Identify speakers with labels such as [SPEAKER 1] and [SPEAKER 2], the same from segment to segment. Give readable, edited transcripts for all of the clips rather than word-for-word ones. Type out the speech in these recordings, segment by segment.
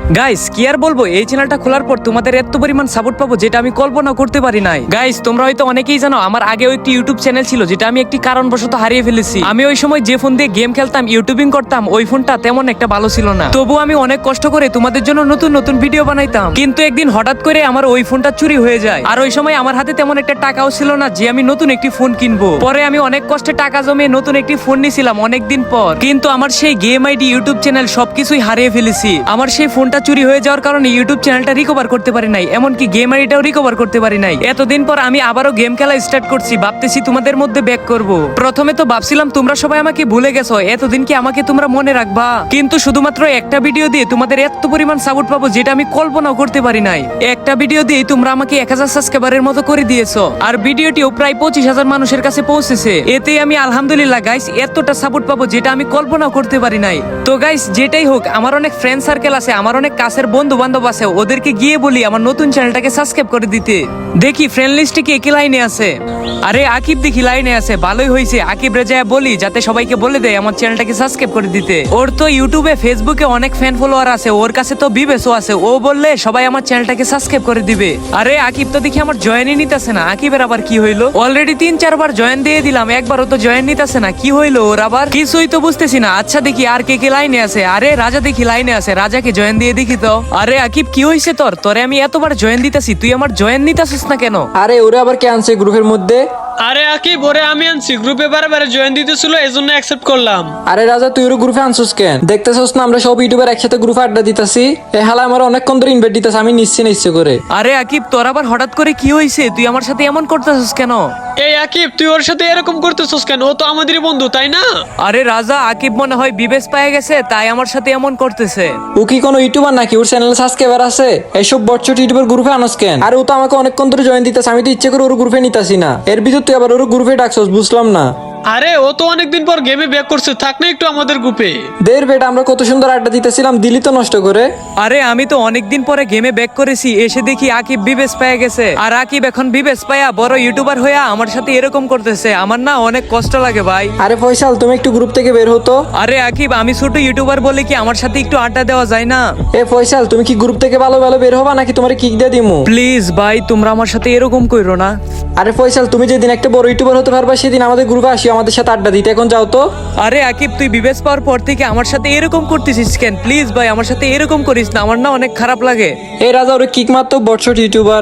[SPEAKER 1] Guys কি আর বলবো, এই চ্যানেলটা খোলার পর তোমাদের এত পরিমাণ সাপোর্ট পাবো যেটা আমি কল্পনা করতে পারি নাই। গাইস তোমরা হয়তো অনেকেই জানো আমার আগেও একটি ইউটিউব চ্যানেল ছিল যেটা আমি একটি কারণবশত হারিয়ে ফেলেছি। আমি ওই সময় যে ফোন দিয়ে গেম খেলতাম, ইউটিউবিং করতাম, ওই ফোনটা তেমন একটা ভালো ছিল না। তবুও আমি অনেক কষ্ট করে তোমাদের জন্য নতুন নতুন ভিডিও বানাইতাম। কিন্তু একদিন হঠাৎ করে আমার ওই ফোনটা চুরি হয়ে যায়। আর ওই সময় আমার হাতে তেমন একটা টাকাও ছিল না যে আমি নতুন একটি ফোন কিনবো। পরে আমি অনেক কষ্টে টাকা জমিয়ে নতুন একটি ফোন নিয়েছিলাম অনেকদিন পর। কিন্তু আমার সেই গেম আইডি, ইউটিউব চ্যানেল সবকিছুই হারিয়ে ফেলেছি। আমার সেই ফোনটা চুরি হয়ে যাওয়ার কারণে ইউটিউব চ্যানেলটা রিকভার করতে পারি নাই, এমনকি গেম আইডিটাও রিকভার করতে পারি নাই। এতদিন পর আমি আবারও গেম খেলা স্টার্ট করছি, ভাবতেছি তোমাদের মধ্যে ব্যাক করব। প্রথমে তো ভাবছিলাম তোমরা সবাই আমাকে ভুলে গেছো, এতদিন কি আমাকে তোমরা মনে রাখবা? কিন্তু শুধুমাত্র একটা ভিডিও দিয়ে তোমাদের এত পরিমাণ সাপোর্ট পাবো যেটা আমি কল্পনাও করতে পারি নাই। একটা ভিডিও দিয়ে তোমরা আমাকে 1000 সাবস্ক্রাইবারের মতো করে দিয়েছো, আর ভিডিওটিও প্রায় 25,000 মানুষের কাছে পৌঁছেছে। এতে আমি আলহামদুলিল্লাহ গাইস এতটা সাপোর্ট পাবো যেটা আমি কল্পনাও করতে পারি নাই। তো গাইস যেটাই হোক, আমার অনেক ফ্রেন্ড সার্কেল আছে, আমার অনেক কাছের বন্ধু বান্ধব আছে, ওদেরকে গিয়ে বলি আমার নতুন চ্যানেলটাকে সাবস্ক্রাইব করে দিতে। দেখি ফ্রেন্ড লিস্টে কি একই লাইনে আছে। আরে আকিব দেখি লাইনে আছে, ভালোই হয়েছে। আকিব রেজায় বলি যাতে সবাইকে বলে দেয় আমার চ্যানেলটাকে সাবস্ক্রাইব করে দিতে। ওর তো ইউটিউবে, ফেসবুকে অনেক ফ্যান ফলোয়ার আছে, ওর কাছে তো বিবেসও আছে। ও বললে সবাই আমার চ্যানেলটাকে সাবস্ক্রাইব করে দিবে। আরে আকিব তো দেখি আমার জয়েনই নিতেছে না। আকিবের আবার কি হইলো? অলরেডি 3-4 বার জয়েন দিয়ে দিলাম, একবারও তো জয়েন নিতেছে না। কি হইলো ওর আবার? কিছুই তো বুঝতেছি না। আচ্ছা দেখি আর কে কে লাইনে আছে। আরে রাজা দেখি লাইনে আছে, রাজাকে জয়েন দিয়ে দেখি তো। আরে আকিব কি হয়েছে তোর? তোরে আমি এতবার জয়েন দিতেছি, তুই আমার জয়েন নিতেছিস না কেন?
[SPEAKER 2] আরে ওরা আবার কে আনছে গ্রুপের মধ্যে?
[SPEAKER 3] আরে আকিব, ওরে আমি আনছি, গ্রুপে বারে জয়েন দিতেছিল, এজন্য অ্যাকসেপ্ট করলাম।
[SPEAKER 2] আরে রাজা, তুই ওর গ্রুপে আনছিস কেন? দেখতেছস না আমরা সব ইউটিউবার একসাথে গ্রুপে আড্ডা দিতেছি। এ হালা আমার অনেকক্ষণ ধরে ইনভাইট দিতেছে, আমি নিচ্ছি না ইচ্ছে করে।
[SPEAKER 1] আরে আকিব তোর আবার হঠাৎ করে কি হয়েছে? তুই আমার সাথে এমন করতেছিস কেন?
[SPEAKER 3] এই আকিব, তুই ওর সাথে এরকম করতেছস কেন? ও তো আমাদেরই বন্ধু, তাই না?
[SPEAKER 1] আরে রাজা, আকিব মনে হয় বিবেশ পেয়ে গেছে, তাই আমার সাথে এমন করতেছে।
[SPEAKER 2] ও কি কোনো ইউটিউবার নাকি? ওর চ্যানেলে সাবস্ক্রাইবার আছে? এইসব বটচট ইউটিউবার গ্রুপে আনস কেন? আর ও তো আমাকে অনেকক্ষণ ধরে জয়েন দিতেছে, আমি তো ইচ্ছে করে ওর গ্রুপে নিতাছি না। এর ভিতর তুই আবার ওর গ্রুপে ডাকছস, বুঝলাম না।
[SPEAKER 3] আরে ও তো অনেকদিন পর গেমে ব্যাক করছে, থাক না একটু আমাদের গ্রুপে।
[SPEAKER 2] দের বেটা, আমরা কত সুন্দর আড্ডা দিতেছিলাম, দিলি তো নষ্ট করে।
[SPEAKER 1] আরে আমি তো অনেকদিন পরে গেমে ব্যাক করেছি, এসে দেখি আকিব বিবেশ পেয়ে গেছে। আর আকিব এখন বিবেশ পায়া বড় ইউটিউবার হইয়া আমার সাথে এরকম করতেছে। আমার না অনেক কষ্ট লাগে ভাই।
[SPEAKER 2] আরে ফয়সাল, তুমি একটু গ্রুপ থেকে বের হতো।
[SPEAKER 1] আরে আকিব, আমি ছোট ইউটিউবার বলে কি আমার সাথে একটু আড্ডা দেওয়া যায় না?
[SPEAKER 2] এ ফয়সাল, তুমি কি গ্রুপ থেকে ভালো ভালো বের হবা নাকি তোমার কিক দিয়ে দিমু?
[SPEAKER 1] প্লিজ ভাই, তোমরা আমার সাথে এরকম কইরো না।
[SPEAKER 2] আরে ফয়সাল, তুমি যেদিন একটা বড় ইউটিউবার হতে পারবা সেদিন আমাদের গ্রুপে আসি, আমাদের সাথে আড্ডা দিতে। এখন যাও তো।
[SPEAKER 1] আরে আকিব, তুই বিবেশ পাওয়ার পর থেকে আমার সাথে এরকম করতেছিস কেন? প্লিজ ভাই, আমার সাথে এরকম করিস না, আমার না অনেক খারাপ লাগে।
[SPEAKER 2] এই রাজা, ওরে কিক মারতো, বটশট ইউটিউবার।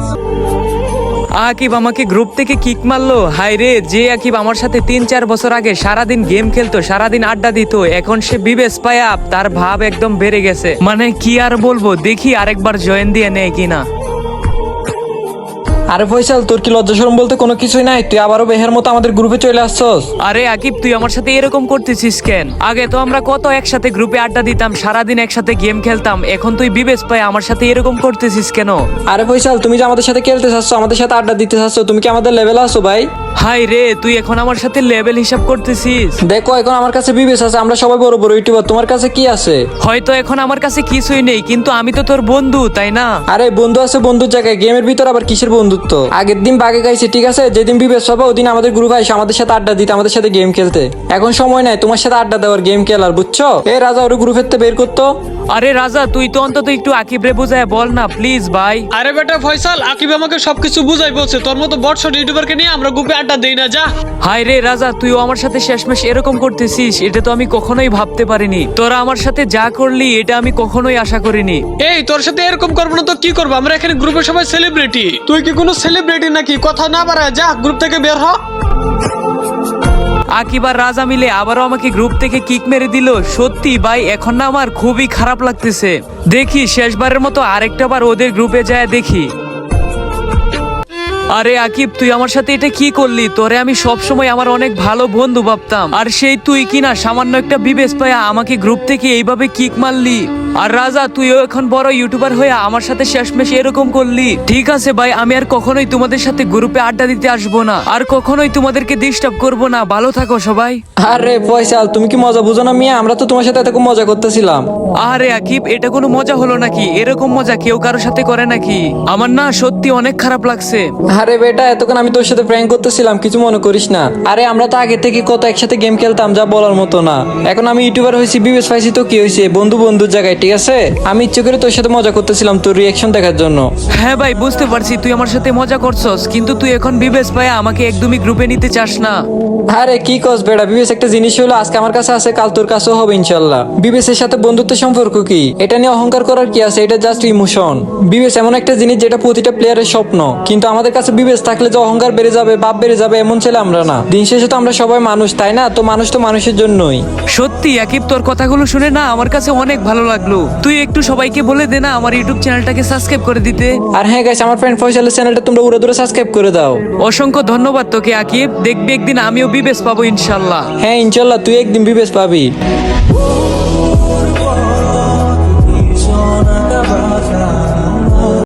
[SPEAKER 1] আকিব আমাকে গ্রুপ থেকে কিক মারলো। হাই রে, যে আকিব আমার সাথে 3-4 বছর আগে সারাদিন গেম খেলতো, সারাদিন আড্ডা দিত, এখন সে বিবেশ পায়া তার ভাব একদম বেড়ে গেছে। মানে কি আর বলবো, দেখি আরেকবার জয়েন দিয়ে নেয় কিনা।
[SPEAKER 2] আরে ফয়সাল, তোর কি লজ্জা শরম বলতে কোনো কিছুই নাই? তুই আবারও বেহের মতো আমাদের গ্রুপে চলে আসছস।
[SPEAKER 1] আরে আকিব, তুই আমার সাথে এরকম করতেছিস কেন? আগে তো আমরা কত একসাথে গ্রুপে আড্ডা দিতাম, সারাদিন একসাথে গেম খেলতাম, এখন তুই বিবেশ পায় আমার সাথে এরকম করতেছিস কেন?
[SPEAKER 2] আরে ফয়সাল, তুমি যে আমাদের সাথে খেলতে চাচ্ছ, আমাদের সাথে আড্ডা দিতে চাচ্ছ, তুমি কি আমাদের লেভেলে আছো ভাই?
[SPEAKER 1] হাই রে, তুই এখন আমার সাথে লেভেল হিসাব করতেছিস?
[SPEAKER 2] দেখো, এখন আমার কাছে বিবেশ আছে, আমরা সবাই বড় বড় ইউটিউবার, তোমার কাছে কি আছে?
[SPEAKER 1] হয়তো এখন আমার কাছে কিছুই নেই, কিন্তু আমি তো তোর বন্ধু, তাই না?
[SPEAKER 2] আরে বন্ধু আছে বন্ধুর জায়গায়, গেমের ভিতর আবার কিসের বন্ধুত্ব? আগের দিন বাগে গাইছে, ঠিক আছে? যেদিন বিবেশ পাবো ওদিন আমাদের গ্রুপে আসে আমাদের সাথে আড্ডা দিতে, আমাদের সাথে গেম খেলতে। এখন সময় নাই তোমার সাথে আড্ডা দেওয়ার, গেম খেলার, বুঝছো? এ রাজা, ওর গ্রুপের থেকে বের করতো।
[SPEAKER 1] আরে রাজা, তুই তো অন্তত একটু আকিব রে বুঝায় বল না প্লিজ ভাই।
[SPEAKER 3] আরে বেটা ফয়সাল, আকিব আমাকে সবকিছু বুঝাই বলছে, তোর মতো বটশট ইউটিউবারকে নিয়ে আমরা গ্রুপে আড্ডা দেই না, যা।
[SPEAKER 1] হাই রে রাজা, তুইও আমার সাথে শেষমেশ এরকম করতেছিস, এটা তো আমি কখনোই ভাবতে পারিনি। তোরা আমার সাথে যা করলি এটা আমি কখনোই আশা করিনি।
[SPEAKER 3] এই তোর সাথে এরকম করবো না তো কি করবো? আমরা এখানে গ্রুপে সবাই সেলিব্রিটি, তুই কি কোনো সেলিব্রিটি নাকি? কথা না বাড়ায় যা, গ্রুপ থেকে বের হ।
[SPEAKER 1] আকিব আর রাজা মিলে আবারও আমাকে গ্রুপ থেকে কিক মেরে দিল। সত্যি ভাই, এখন না আমার খুবই খারাপ লাগতেছে। দেখি শেষবারের মতো আরেকটা বার ওদের গ্রুপে যায় দেখি। আরে আকিব, তুই আমার সাথে এটা কি করলি? তোরে আমি সব সময় আমার অনেক ভালো বন্ধু ভাবতাম, আর সেই তুই কিনা সামান্য একটা বিবেশ পায়া আমাকে গ্রুপ থেকে এইভাবে কিক মারলি। আর রাজা, তুইও এখন বড় ইউটিউবার হয়ে আমার সাথে শেষমেশ এরকম করলি। ঠিক আছে ভাই, আমি আর কখনোই তোমাদের সাথে গ্রুপে আড্ডা দিতে আসবো না, আর কখনোই তোমাদেরকে ডিস্টার্ব করবো না। ভালো থাকো সবাই।
[SPEAKER 2] আরে ফয়সাল, তুমি কি মজা বুঝো না মিয়া? আমরা তো তোমার সাথে এত মজা করতেছিলাম।
[SPEAKER 1] আরে আকিব, এটা কোনো মজা হলো নাকি? এরকম মজা কেউ কারোর সাথে করে নাকি? আমার না সত্যি অনেক খারাপ লাগছে।
[SPEAKER 2] আরে বেটা, এতক্ষণ আমি তোর সাথে প্র্যাঙ্ক করতেছিলাম, কিছু মনে করিস না। আরে আমরা তো আগে থেকে কত একসাথে গেম খেলতাম, যা বলার মতো না। এখন আমি ইউটিউবার হয়েছি, বিবেস পাইছি, তো কি হয়েছে, বন্ধু বন্ধুর জায়গায়, ঠিক আছে? আমি ইচ্ছে করে তোর সাথে মজা করতেছিলাম তোর রিয়াকশন দেখার জন্য।
[SPEAKER 1] হ্যাঁ ভাই, বুঝতে পারছি তুই আমার সাথে মজা করছস, কিন্তু তুই এখন বিবেশ ভাই আমাকে একদমই গ্রুপে নিতে চাস না।
[SPEAKER 2] আরে কি কস বেটা, বিবেস একটা জিনিস হলো, আজকে আমার কাছে আছে, কাল তোর কাছেও হবে ইনশাল্লাহ। বিবেসের সাথে বন্ধুত্বের সম্পর্ক কি, এটা নিয়ে অহংকার করার কি আছে? এটা জাস্ট ইমোশন। বিবেস এমন একটা জিনিস যেটা প্রতিটা প্লেয়ারের স্বপ্ন, কিন্তু আমাদের কাছে বিবেস থাকলে যে অহংকার বেড়ে যাবে, বাপ বেড়ে যাবে, এমন ছেলে আমরা না। দিন শেষে তো আমরা সবাই মানুষ, তাই না? তো মানুষ তো মানুষের জন্যই।
[SPEAKER 1] সত্যি আকিব, তোর কথাগুলো শুনে না আমার কাছে অনেক ভালো লাগলো। তুই একটু সবাইকে বলে দে না আমার ইউটিউব চ্যানেলটাকে সাবস্ক্রাইব করে দিতে।
[SPEAKER 2] আর হ্যাঁ গাইস, আমার ফ্রেন্ড ফয়সালের চ্যানেলটা তোমরা উড়ে দূরে সাবস্ক্রাইব করে দাও।
[SPEAKER 1] অসংখ্য ধন্যবাদ তোকে আকিব, দেখবি একদিন আমিও বিবেশ পাবো ইনশাল্লাহ।
[SPEAKER 2] হ্যাঁ ইনশাল্লাহ, তুই একদিন বিবেস পাবি।